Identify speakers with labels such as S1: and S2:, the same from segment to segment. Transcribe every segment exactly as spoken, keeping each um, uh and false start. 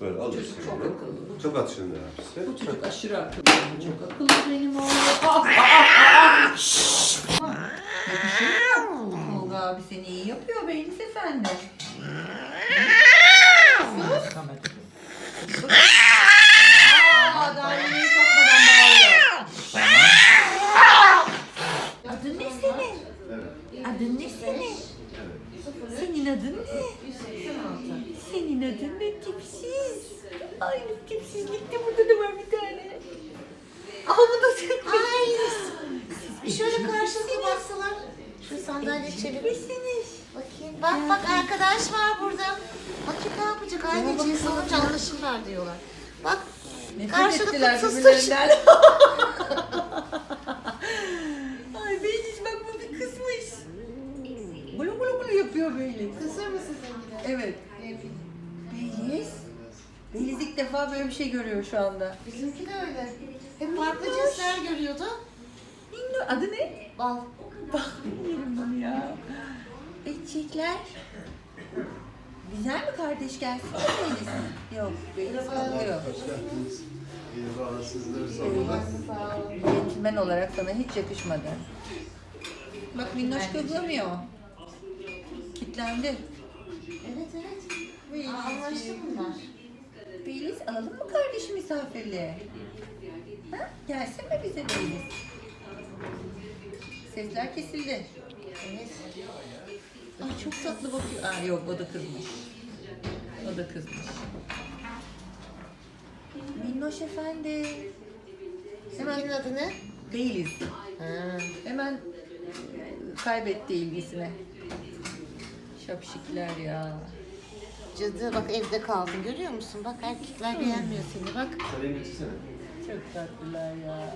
S1: Böyle alıyorsun.
S2: Çocuk çok akıllı.
S1: Çok atışında hepsi.
S2: Bu çocuk aşırı akıllı. Çok akıllı benim oğlum. Ah, ah, ah, ah. Yakışıyor mu? Tolga abi seni iyi yapıyor Beylis Efendi. Sus. Aa, daha yemeği sokmadan bağırıyor. Adın ne senin?
S1: Evet.
S2: Adın ne senin? Senin adın ne? Senin adın ne tipsiz? Ay tipsizlik de burada da var bir tane. Aa bu da sen.
S3: Ay. Şöyle karşılıklı baksalar. Şu sandalye çevir.
S2: Misiniz?
S3: Bakayım. Bak bak arkadaş var burada. Bakayım ne yapacak? Aynı cins olunca anlaşırlar diyorlar. Bak. Karşılıklı tıstır.
S2: Ay Beyliz bak bu bir kızmış. Bulu bulu bulu yapıyor Beyliz.
S3: Kısır mısın sen
S2: Evet. Beyliz. Beyliz ilk defa böyle bir şey görüyor şu anda.
S3: Bizimki de öyle. Hep farklı cinsler görüyordu.
S2: Minno, adı ne?
S3: Bal.
S2: Bak bilmiyorum bunu ya. Eçekler. Güzel mi kardeş gelsin mi Beyliz? Yok Beyliz kalıyor.
S1: Hoş geldiniz. İyi bana sizleri sormalı.
S3: Sağ olun.
S2: Centilmen olarak sana hiç yakışmadı. Bak Minnoş kızlamıyor. Kitlendi.
S3: Evet evet.
S2: Beyliz.
S3: Aa, anlaştı bunlar.
S2: Beyliz alalım mı kardeşim misafirliğe? Ha? Gelsin mi bize Beyliz? Sesler kesildi.
S3: Evet.
S2: Ay çok tatlı bakıyor. Aa yok o da kızmış. O da kızmış. Minnoş efendi.
S3: Senin adı ne?
S2: Beyliz.
S3: Ha.
S2: Hemen kaybetti ilgisini. Şapşikler ya.
S3: Cadı bak evde kaldın görüyor musun? Bak erkekler beğenmiyor seni bak.
S1: Kalemi getirsene.
S2: Çok tatlılar ya.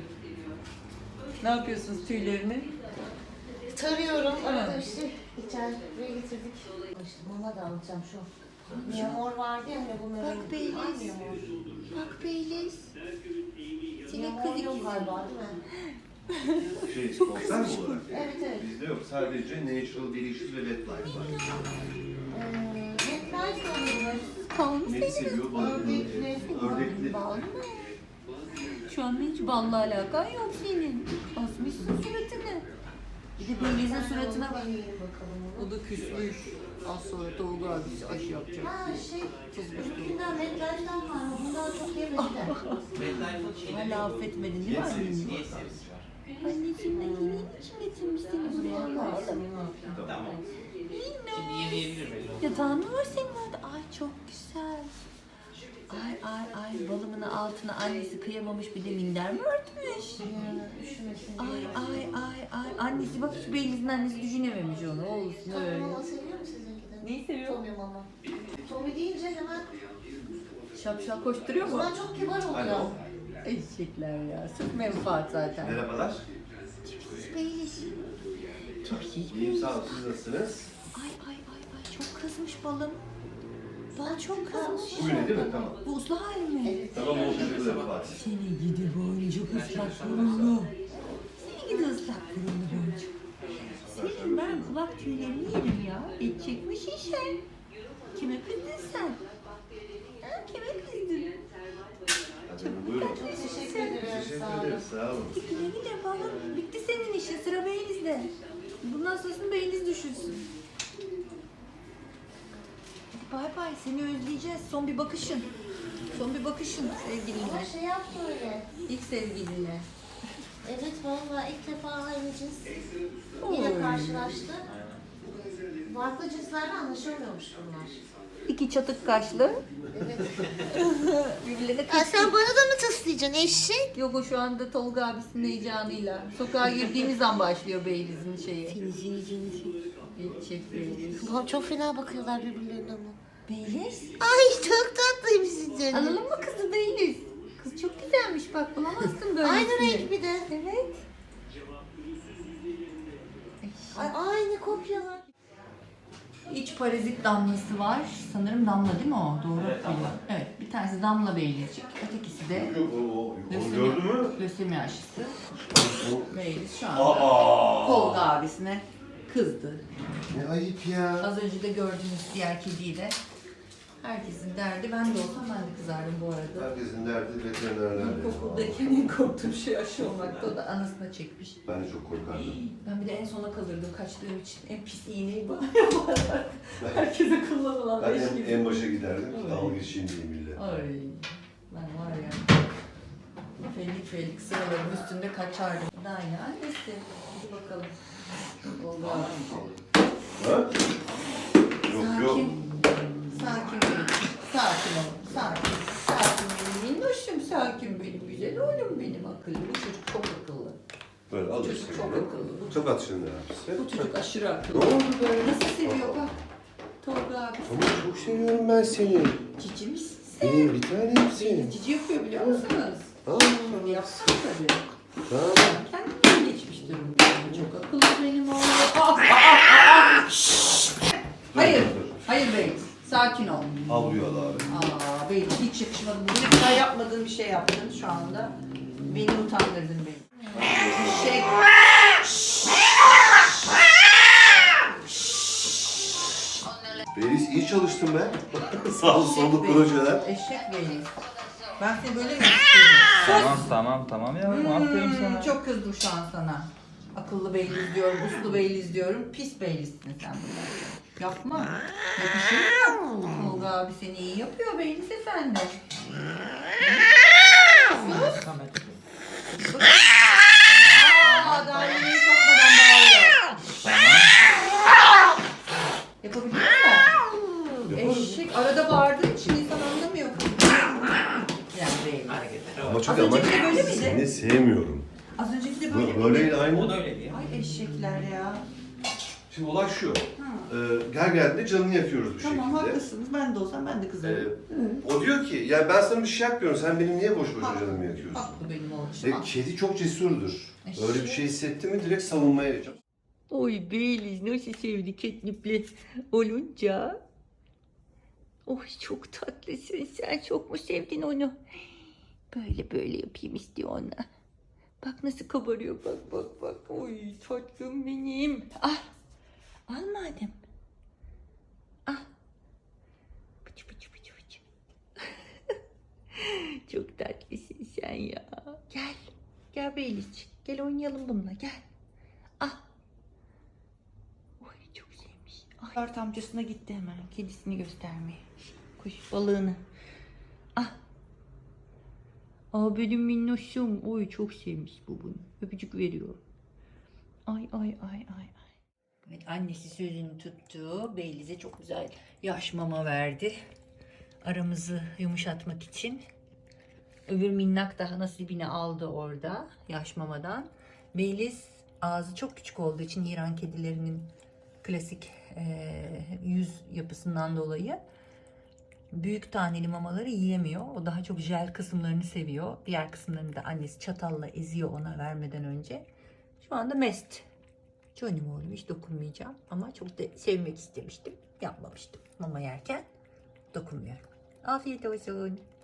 S2: Ne yapıyorsunuz tüylerini?
S3: Tarıyorum.
S2: Ha.
S3: Arada işte içeriye getirdik. İşte mama da alacağım şu. Miyamor vardı ya hani bu meme.
S2: Bak Beyliz.
S3: Var miyamor?
S2: Bak Beyliz. Senin
S3: Miyamor
S2: kız
S3: yok
S2: ikizi.
S3: galiba değil mi?
S1: Şey, konser mi olarak?
S3: Evet evet.
S1: Bizde yok. Sadece Natural, Delicious ve Wet Life var.
S3: Ee, Netler sanırım.
S2: Kalmış
S1: Net
S2: senin.
S1: seviyor, balıklı, ördekli.
S2: Bal mı? Şu anda hiç balla alakan yok senin. Asmışsın suratını. Bir de Beliz'in suratına bak.
S3: Deneyelim bakalım onu.
S2: O da küsmüş. Az sonra Tolga abisi aşı yapacak.
S3: Ha şey, bizimkinden Netler'den var. Onu daha çok yemediler.
S2: Hala affetmedin değil mi anneciğim? Anneciğim ben yemeğin için getirmiş seni buraya.
S1: Tamam.
S4: Şimdi yemeyebilir miyim?
S2: Yatağın mı var senin orada? Ay çok güzel. Ay ay ay balımın altına annesi kıyamamış bir de minder mi örtmüş?
S3: Üşümesin
S2: Ay
S3: diye.
S2: ay ay ay annesi bak hiç Beliz'in annesi düşünememiş onu olsun
S3: Tommy
S2: öyle.
S3: mama seviyor mu sizinki de?
S2: Neyi seviyor?
S3: Tommy mama. Tommy deyince hemen
S2: Şapşal koşturuyor mu?
S3: bunlar çok kibar oluyor.
S1: Alo.
S2: Eşekler ya sırf menfaat zaten.
S1: Merhabalar.
S2: Beyliz. Çok iyi.
S1: İyiyim sağ olun. Siz nasılsınız?
S2: Ay ay ay ay çok kızmış balım. Bal çok kızmış.
S1: Bu öyle değil mi? Tamam.
S2: Buzlu hali mi?
S1: Tamam oldu. Şurada Fatih.
S2: Seni gidi boncuk ıslak burunlu. Seni gidi ıslak burunlu boncuk. Senin ben kulak tüylerini yerim ya. Et çekmiş işe. Kime kızdın sen? Ha, kime kızdın?
S1: Hadi buyurun.
S3: Teşekkür ederim.
S1: Teşekkür
S3: Sağ olun.
S1: ederiz. Sağ olun.
S2: Güle güle balım. Bitti senin işin. Sıra Beylis'de. Bundan sonrasını Beyliz düşünsün. Hadi bay bay. Seni özleyeceğiz. Son bir bakışın. Son bir bakışın
S3: Ama
S2: sevgilinle.
S3: şey yaptı öyle.
S2: İlk sevgilinle.
S3: Evet vallahi ilk defa aynı cins
S2: Oy.
S3: yine karşılaştı. Farklı cinslerle anlaşamıyormuş bunlar.
S2: İki çatık kaşlı.
S3: Evet.
S2: Birbirlerine
S3: Ya sen bana da mı tıslayacaksın eşek?
S2: Yok o şu anda Tolga abisinin heyecanıyla. Sokağa girdiğimiz an başlıyor Beyliz'in şeyi.
S3: Seni seni seni seni.
S2: Geçecek Beyliz.
S3: Ulan çok fena bakıyorlar birbirlerine ama.
S2: Beyliz?
S3: Ay çok tatlıymışsın canım.
S2: Alalım mı kızı Beyliz? Kız çok güzelmiş bak bulamazsın böylesini.
S3: Aynı renk bir de.
S2: Evet.
S3: Ay, aynı kopyalar.
S2: İç parazit damlası var. Sanırım damla değil mi o? Doğru
S4: Evet, damla.
S2: Evet bir tanesi damla Beylizcik. Ötekisi de
S1: Yok o, o, onu
S2: lösemi,
S1: gördün mü?
S2: lösemi aşısı.
S1: O-
S2: Beyliz şu anda
S1: Aa!
S2: Tolga abisine kızdı.
S1: Ne ayıp ya.
S2: Az önce de gördüğünüz diğer kediyi de Herkesin derdi. Ben de olsam ben de kızardım bu arada.
S1: Herkesin derdi veterinerler.
S2: İlkokuldayken en korktuğum şey aşı olmakta. O da anasına çekmiş.
S1: Ben de çok korkardım.
S2: Ben bir de en sona kalırdım kaçtığım için. En pis iğneyi bana yaparlar. Herkese kullanılan
S1: Ben
S2: beş
S1: en,
S2: gibi.
S1: en başa giderdim.
S2: Ay.
S1: Dalga geçeyim diye millet.
S2: Ay ben var ya. Felik felik sıraların üstünde kaçardım. Daha ne annesi. Hadi bakalım. Oldu abi.
S1: Ha? Yok yok.
S2: Sakin. Sakin benim. Sakin ol. Sakin. Sakin benim minnoşum. Sakin benim güzel oğlum benim akıllı. Bu çocuk çok akıllı.
S1: Böyle
S2: Bu
S1: alırsın.
S2: çocuk çok
S1: bunu.
S2: akıllı. Bu,
S1: Tokat şimdi abisi.
S2: bu çocuk aşırı
S1: Ne
S2: akıllı.
S1: oldu böyle?
S2: Nasıl seviyor bak. Tolga abi.
S1: Ama çok seviyorum ben seni.
S2: Cici misin sen?
S1: Benim bir tanemsin.
S2: Cici yapıyor biliyor musunuz?
S1: Aa,
S2: Tabii yapsın tabii.
S1: tamam.
S2: Kendine geçmiş durumda. Çok akıllı benim oğlum. Aa, aa, aa, aa. Hayır.
S1: Dur, dur.
S2: Hayır bey. Sakin ol.
S1: Havluyu al abi.
S2: Aa bey hiç yakışmadı. Bugüne kadar yapmadığın bir şey yaptın şu anda. Beni utandırdın beni. Şey.
S1: Beliz iyi çalıştın be. Sağ ol sollu
S2: Bey.
S1: projeler.
S2: Eşek bey. Ben seni böyle mi istiyorum?
S5: Tamam tamam tamam yavrum aferin
S2: Hmm,
S5: sana.
S2: çok kızdım şu an sana. Akıllı beyliz diyorum, uslu beyliz diyorum. Pis beylisin sen bunlar. Yapma. Yakışır mı? Tolga abi seni iyi yapıyor beyliz efendi. Sus. Aa, daha yemeği sokmadan bağırıyor. Yapabiliyor musun? Eşek arada bağırdığın için insan anlamıyor. Yani beyliz.
S1: Ama çok
S2: Az
S1: ama
S2: önceki de böyle miydi?
S1: seni sevmiyorum.
S2: Az önceki de böyle
S1: Bu-
S2: miydi?
S1: Böyle
S4: O
S1: aynı.
S4: da öyleydi ya.
S2: Ay eşekler ya.
S1: Şimdi olay şu.
S2: Ha.
S1: Ee, gel geldiğinde canını yakıyoruz bir
S2: Tamam
S1: şekilde.
S2: haklısınız. Ben de olsam ben de
S1: Ee,
S2: kızarım.
S1: o diyor ki ya ben sana bir şey yapmıyorum. Sen benim niye boş boşuna
S2: Haklı.
S1: canımı yakıyorsun?
S2: Haklı benim oğlum.
S1: Ve
S2: Haklı.
S1: kedi çok cesurdur.
S2: Eşek.
S1: Öyle bir şey hissetti mi direkt savunmaya geçer.
S2: Oy Beyliz nasıl sevdi ketnipli olunca. Oy çok tatlısın sen. Çok mu sevdin onu? Böyle böyle yapayım istiyor ona. Bak nasıl kabarıyor bak bak bak. Oy tatlım benim. Ah. Al madem. Ah. Pıçı pıçı pıçı pıçı. Çok tatlısın sen ya. Gel. Gel Beyliz. Gel oynayalım bununla gel. Ah. Oy çok sevmiş. Ay. Kart amcasına gitti hemen kedisini göstermeye. Kuş balığını. Ah. Aa benim minnoşum. Oy çok sevmiş bu bunu. Öpücük veriyor. Ay ay ay ay ay. Evet annesi sözünü tuttu. Beyliz'e çok güzel yaş mama verdi. Aramızı yumuşatmak için. Öbür minnak daha nasibini aldı orada yaş mamadan. Beyliz ağzı çok küçük olduğu için İran kedilerinin klasik e, yüz yapısından dolayı büyük taneli mamaları yiyemiyor. O daha çok jel kısımlarını seviyor. Diğer kısımlarını da annesi çatalla eziyor ona vermeden önce. Şu anda mest. Canım oğlum hiç dokunmayacağım. Ama çok da sevmek istemiştim. Yapmamıştım. Mama yerken dokunmuyorum. Afiyet olsun.